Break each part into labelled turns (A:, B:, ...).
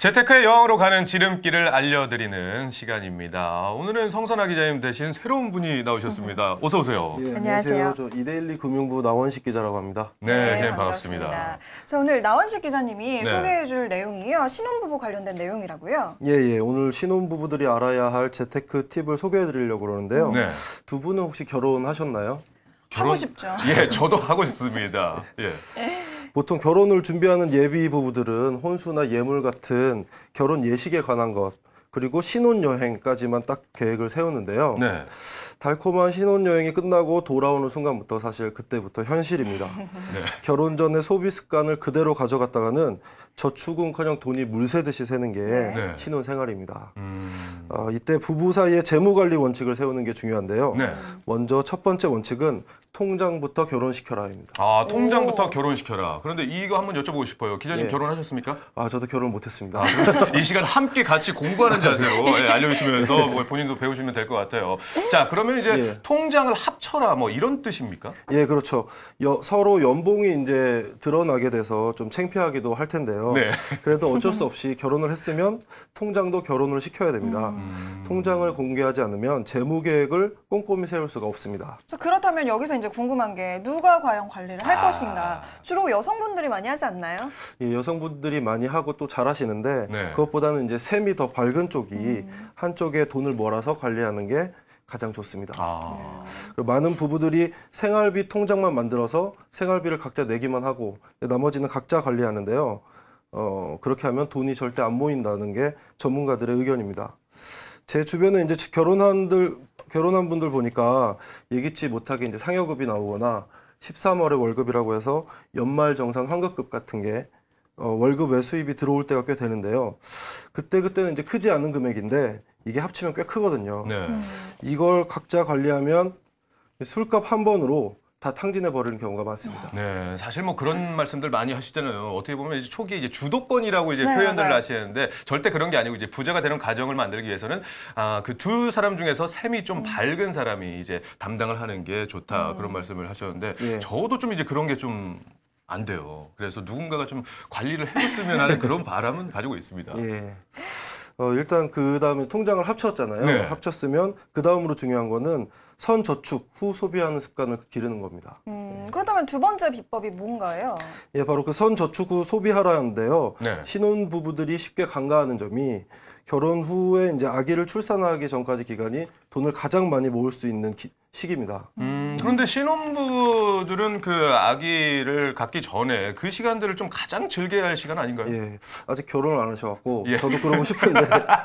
A: 재테크의 여왕으로 가는 지름길을 알려드리는 시간입니다. 오늘은 성선아 기자님 대신 새로운 분이 나오셨습니다. 어서 오세요.
B: 예,
C: 안녕하세요.
B: 저 이데일리 금융부 나원식 기자라고 합니다.
A: 네, 기자님 반갑습니다.
C: 자, 오늘 나원식 기자님이
A: 네.
C: 소개해줄 내용이요. 신혼부부 관련된 내용이라고요.
B: 예, 오늘 신혼부부들이 알아야 할 재테크 팁을 소개해드리려고 그러는데요.
A: 네.
B: 두 분은 혹시 결혼하셨나요?
C: 하고 싶죠.
A: 예, 저도 하고 싶습니다. 예.
B: 보통 결혼을 준비하는 예비 부부들은 혼수나 예물 같은 결혼 예식에 관한 것, 그리고 신혼여행까지만 딱 계획을 세우는데요.
A: 네.
B: 달콤한 신혼여행이 끝나고 돌아오는 순간부터 사실 그때부터 현실입니다.
A: 네.
B: 결혼 전에 소비 습관을 그대로 가져갔다가는 저축은커녕 돈이 물새듯이 새는 게
A: 네.
B: 신혼생활입니다. 이때 부부 사이에 재무관리 원칙을 세우는 게 중요한데요.
A: 네.
B: 먼저 첫 번째 원칙은 통장부터 결혼시켜라입니다.
A: 아, 통장부터 결혼시켜라. 그런데 이거 한번 여쭤보고 싶어요. 기자님
B: 예.
A: 결혼하셨습니까?
B: 저도 결혼 못했습니다.
A: 이 시간 함께 같이 공부하는 자세로 알려주시면서 뭐 본인도 배우시면 될 것 같아요. 자, 그러면 이제
B: 예.
A: 통장을 합쳐라 뭐 이런 뜻입니까?
B: 예, 그렇죠. 서로 연봉이 이제 드러나게 돼서 좀 창피하기도 할 텐데요.
A: 네.
B: 그래도 어쩔 수 없이 결혼을 했으면 통장도 결혼을 시켜야 됩니다. 통장을 공개하지 않으면 재무 계획을 꼼꼼히 세울 수가 없습니다.
C: 자, 그렇다면 여기서 이제 궁금한 게 누가 과연 관리를 할 것인가. 주로 여성분들이 많이 하지 않나요?
B: 예, 여성분들이 많이 하고 또 잘하시는데
A: 네.
B: 그것보다는 이제 셈이 더 밝은 쪽이 한쪽에 돈을 몰아서 관리하는 게 가장 좋습니다. 그리고 많은 부부들이 생활비 통장만 만들어서 생활비를 각자 내기만 하고 나머지는 각자 관리하는데요. 그렇게 하면 돈이 절대 안 모인다는 게 전문가들의 의견입니다. 제 주변에 이제 결혼한 분들 보니까 예기치 못하게 이제 상여급이 나오거나 13월에 월급이라고 해서 연말정산 환급급 같은 게 월급 외 수입이 들어올 때가 꽤 되는데요. 그때는 이제 크지 않은 금액인데 이게 합치면 꽤 크거든요.
A: 네.
B: 이걸 각자 관리하면 술값 한 번으로 다 탕진해 버리는 경우가 많습니다.
A: 네, 사실 뭐 그런 말씀들 많이 하시잖아요. 어떻게 보면 이제 초기에 이제 주도권이라고 이제
C: 네,
A: 표현을
C: 맞아요.
A: 하시는데 절대 그런 게 아니고 이제 부자가 되는 가정을 만들기 위해서는 그 두 사람 중에서 셈이 좀 밝은 사람이 이제 담당을 하는 게 좋다 그런 말씀을 하셨는데
B: 예.
A: 저도 좀 이제 그런 게 좀 안 돼요. 그래서 누군가가 좀 관리를 해줬으면 하는 그런 바람은 가지고 있습니다.
B: 예. 일단 그 다음에 통장을 합쳤잖아요.
A: 네.
B: 합쳤으면 그 다음으로 중요한 거는 선저축 후 소비하는 습관을 기르는 겁니다.
C: 그렇다면 두 번째 비법이 뭔가요?
B: 예, 바로 그 선저축 후 소비하라는데요.
A: 네.
B: 신혼 부부들이 쉽게 간과하는 점이 결혼 후에 이제 아기를 출산하기 전까지 기간이 돈을 가장 많이 모을 수 있는 시기입니다.
A: 그런데 신혼부들은 그 아기를 갖기 전에 그 시간들을 좀 가장 즐겨야 할 시간 아닌가요?
B: 예, 아직 결혼을 안 하셔갖고
A: 예.
B: 저도 그러고 싶은데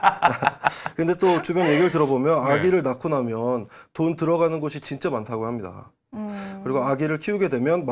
B: 근데 또 주변 얘기를 들어보면
A: 네.
B: 아기를 낳고 나면 돈 들어가는 곳이 진짜 많다고 합니다. 그리고 아기를 키우게 되면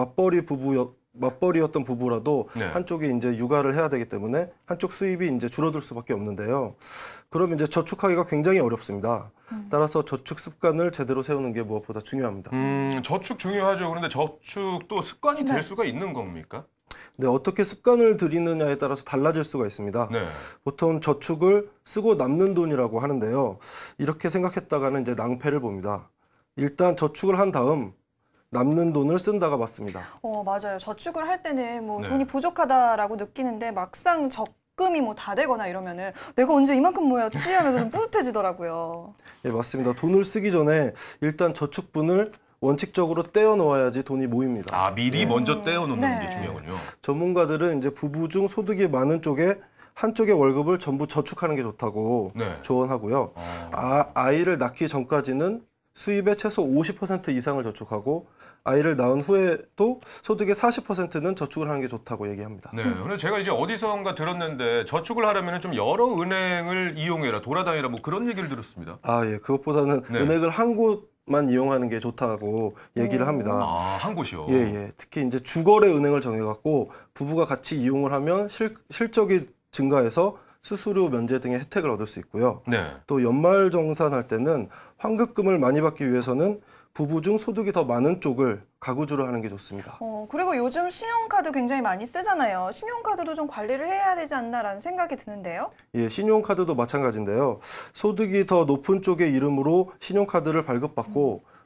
B: 맞벌이였던 부부라도
A: 네.
B: 한쪽이 이제 육아를 해야 되기 때문에 한쪽 수입이 이제 줄어들 수밖에 없는데요. 그럼 이제 저축하기가 굉장히 어렵습니다. 따라서 저축 습관을 제대로 세우는 게 무엇보다 중요합니다.
A: 저축 중요하죠. 그런데 저축도 습관이 될 수가 있는 겁니까?
B: 네, 어떻게 습관을 들이느냐에 따라서 달라질 수가 있습니다.
A: 네.
B: 보통 저축을 쓰고 남는 돈이라고 하는데요. 이렇게 생각했다가는 이제 낭패를 봅니다. 일단 저축을 한 다음 남는 돈을 쓴다가 맞습니다.
C: 맞아요. 저축을 할 때는 뭐
A: 네.
C: 돈이 부족하다라고 느끼는데 막상 적금이 뭐 다 되거나 이러면은 내가 언제 이만큼 모였지 하면서 좀 뿌듯해지더라고요.
B: 예, 맞습니다. 돈을 쓰기 전에 일단 저축분을 원칙적으로 떼어 놓아야지 돈이 모입니다.
A: 미리 먼저 떼어놓는
C: 네.
A: 게 중요하군요.
B: 전문가들은 이제 부부 중 소득이 많은 쪽에 한쪽의 월급을 전부 저축하는 게 좋다고
A: 네.
B: 조언하고요. 아이를 낳기 전까지는 수입의 최소 50% 이상을 저축하고 아이를 낳은 후에도 소득의 40%는 저축을 하는 게 좋다고 얘기합니다.
A: 네. 근데 제가 이제 어디선가 들었는데 저축을 하려면 좀 여러 은행을 이용해라, 돌아다니라 뭐 그런 얘기를 들었습니다.
B: 예, 그것보다는
A: 네.
B: 은행을 한 곳만 이용하는 게 좋다고 얘기를 합니다.
A: 한 곳이요.
B: 예. 특히 이제 주거래 은행을 정해갖고 부부가 같이 이용을 하면 실적이 증가해서 수수료 면제 등의 혜택을 얻을 수 있고요.
A: 네.
B: 또 연말정산할 때는 환급금을 많이 받기 위해서는 부부 중 소득이 더 많은 쪽을 가구주로 하는 게 좋습니다.
C: 그리고 요즘 신용카드 굉장히 많이 쓰잖아요. 신용카드도 좀 관리를 해야 되지 않나라는 생각이 드는데요.
B: 예, 신용카드도 마찬가지인데요. 소득이 더 높은 쪽의 이름으로 신용카드를 발급받고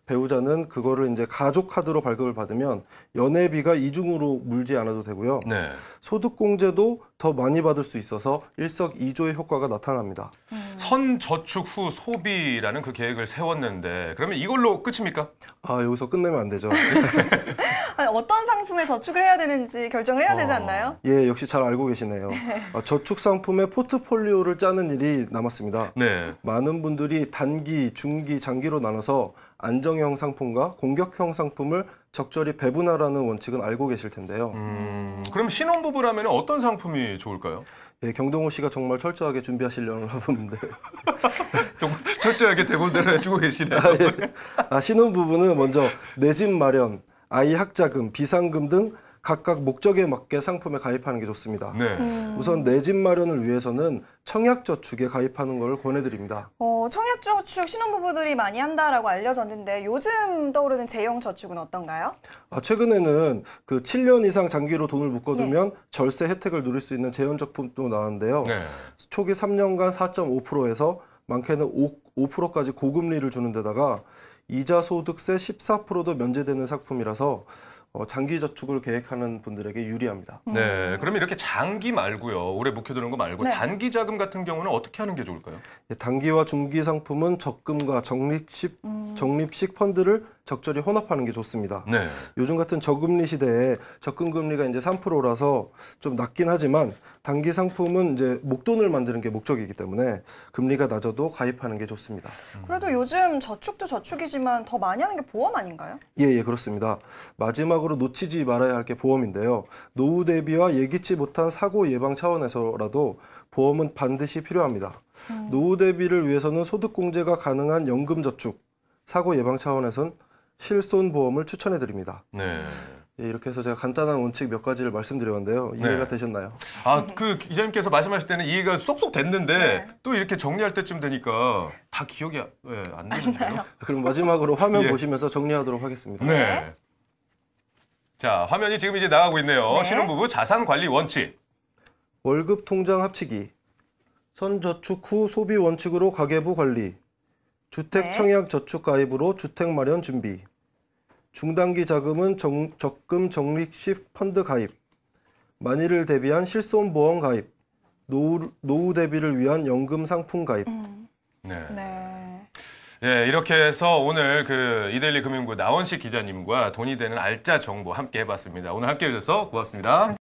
B: 배우자는 그거를 이제 가족 카드로 발급을 받으면 연회비가 이중으로 물지 않아도 되고요.
A: 네.
B: 소득공제도 더 많이 받을 수 있어서 일석이조의 효과가 나타납니다.
A: 선저축 후 소비라는 그 계획을 세웠는데 그러면 이걸로 끝입니까?
B: 아, 여기서 끝내면 안 되죠.
C: 아니, 어떤 상품에 저축을 해야 되는지 결정을 해야 되지 않나요?
B: 예, 역시 잘 알고 계시네요. 저축 상품의 포트폴리오를 짜는 일이 남았습니다.
A: 네.
B: 많은 분들이 단기, 중기, 장기로 나눠서 안정형 상품과 공격형 상품을 적절히 배분하라는 원칙은 알고 계실 텐데요.
A: 그럼 신혼부부라면 어떤 상품이 좋을까요?
B: 예, 경동호 씨가 정말 철저하게 준비하시려는 부분인데
A: 좀 철저하게 대본대로 해주고 계시네요.
B: 신혼부부는 먼저 내 집 마련, 아이 학자금, 비상금 등 각각 목적에 맞게 상품에 가입하는 게 좋습니다.
A: 네.
B: 우선 내 집 마련을 위해서는 청약저축에 가입하는 걸 권해드립니다.
C: 청약저축 신혼부부들이 많이 한다라고 알려졌는데 요즘 떠오르는 제형 저축은 어떤가요?
B: 최근에는 그 7년 이상 장기로 돈을 묶어두면 절세 혜택을 누릴 수 있는 제형적품도 나왔는데요.
A: 네.
B: 초기 3년간 4.5%에서 많게는 5%까지 고금리를 주는 데다가 이자 소득세 14%도 면제되는 상품이라서 장기 저축을 계획하는 분들에게 유리합니다.
A: 네. 그럼 이렇게 장기 말고요. 오래 묵혀두는 거 말고
C: 네.
A: 단기 자금 같은 경우는 어떻게 하는 게 좋을까요?
B: 단기와 중기 상품은 적금과 적립식 펀드를 적절히 혼합하는 게 좋습니다.
A: 네.
B: 요즘 같은 저금리 시대에 적금 금리가 이제 3%라서 좀 낮긴 하지만 단기 상품은 이제 목돈을 만드는 게 목적이기 때문에 금리가 낮아도 가입하는 게 좋습니다.
C: 그래도 요즘 저축도 저축이지만 더 많이 하는 게 보험 아닌가요?
B: 예, 그렇습니다. 마지막으로 놓치지 말아야 할 게 보험인데요. 노후 대비와 예기치 못한 사고 예방 차원에서라도 보험은 반드시 필요합니다. 노후 대비를 위해서는 소득공제가 가능한 연금저축, 사고 예방 차원에선 실손보험을 추천해 드립니다.
A: 네.
B: 예, 이렇게 해서 제가 간단한 원칙 몇 가지를 말씀드렸는데요. 이해가
A: 네.
B: 되셨나요?
A: 그 기자님께서 말씀하실 때는 이해가 쏙쏙 됐는데
C: 네.
A: 또 이렇게 정리할 때쯤 되니까 다 기억이 안 나는데요.
B: 그럼 마지막으로 화면
A: 예.
B: 보시면서 정리하도록 하겠습니다.
A: 네. 자, 화면이 지금 이제 나가고 있네요.
C: 네.
A: 신혼부부 자산 관리 원칙.
B: 월급 통장 합치기, 선저축 후 소비 원칙으로 가계부 관리, 주택
C: 네.
B: 청약 저축 가입으로 주택 마련 준비, 중단기 자금은 적금 적립식 펀드 가입, 만일을 대비한 실손보험 가입, 노후 대비를 위한 연금 상품 가입.
A: 네.
C: 네.
A: 예, 이렇게 해서 오늘 그 이데일리 금융부 나원식 기자님과 돈이 되는 알짜 정보 함께 해봤습니다. 오늘 함께 해주셔서 고맙습니다.